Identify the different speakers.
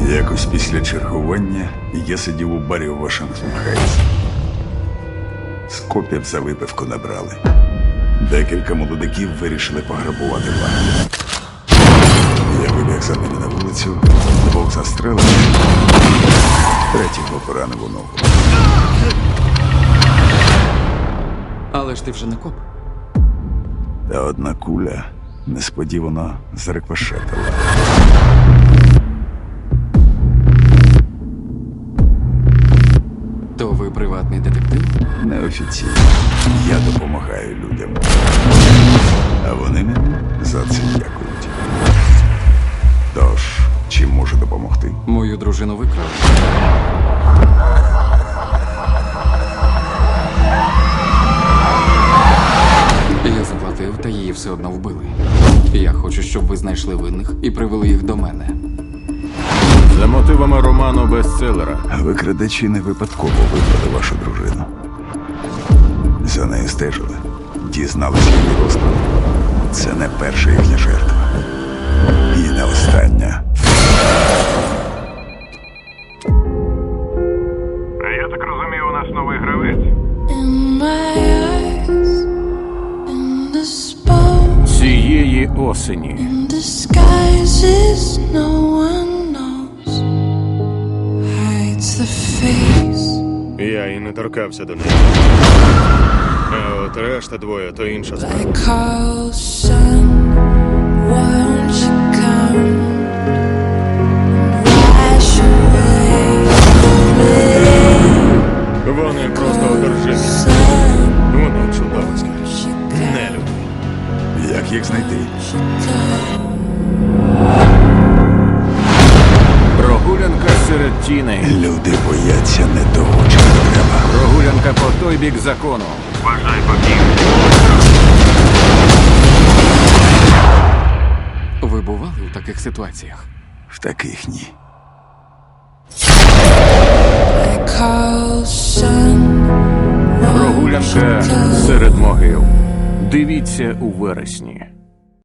Speaker 1: Якось після чергування я сидів у барі у Вашингтон Хайтс. З копів за випивку набрали. Декілька молодиків вирішили пограбувати банк. Я вибіг за ними на вулицю, двох застрелив, третього поранив у ногу.
Speaker 2: Але ж ти вже не коп.
Speaker 1: Та одна куля несподівано зарикошетила.
Speaker 2: То ви приватний детектив?
Speaker 1: Неофіційно. Я допомагаю людям. А вони мені за це дякують. Тож, чим можу допомогти?
Speaker 2: Мою дружину викрали. Я заплатив, та її все одно вбили. Я хочу, щоб ви знайшли винних і привели їх до мене.
Speaker 3: За мотивами роману бестселера.
Speaker 1: А викрадачі не випадково викрали вашу дружину. За нею стежили. Дізналися її розклад. Це не перша їхня жертва. І не остання.
Speaker 4: Я так розумію, у нас новий гравець.
Speaker 5: In my eyes, in the spoke,
Speaker 3: Цієї осені.
Speaker 5: in disguises no one knows, hides the face.
Speaker 6: Я і не торкався до неї. А от решта двоє, то інша справа.
Speaker 5: I call, son, won't you come and wash away?
Speaker 6: Вони просто одержимі.
Speaker 5: Son,
Speaker 6: Вони чудовиська.
Speaker 5: she
Speaker 6: Не люди.
Speaker 1: Як їх знайти?
Speaker 5: come.
Speaker 3: Прогулянка серед тіней.
Speaker 1: Люди бояться не того, чого треба.
Speaker 3: Прогулянка по той бік закону.
Speaker 4: Бажай боків.
Speaker 2: Ви бували у таких ситуаціях?
Speaker 1: В таких ні.
Speaker 5: I call, son,
Speaker 3: Прогулянка серед могил. Дивіться у вересні.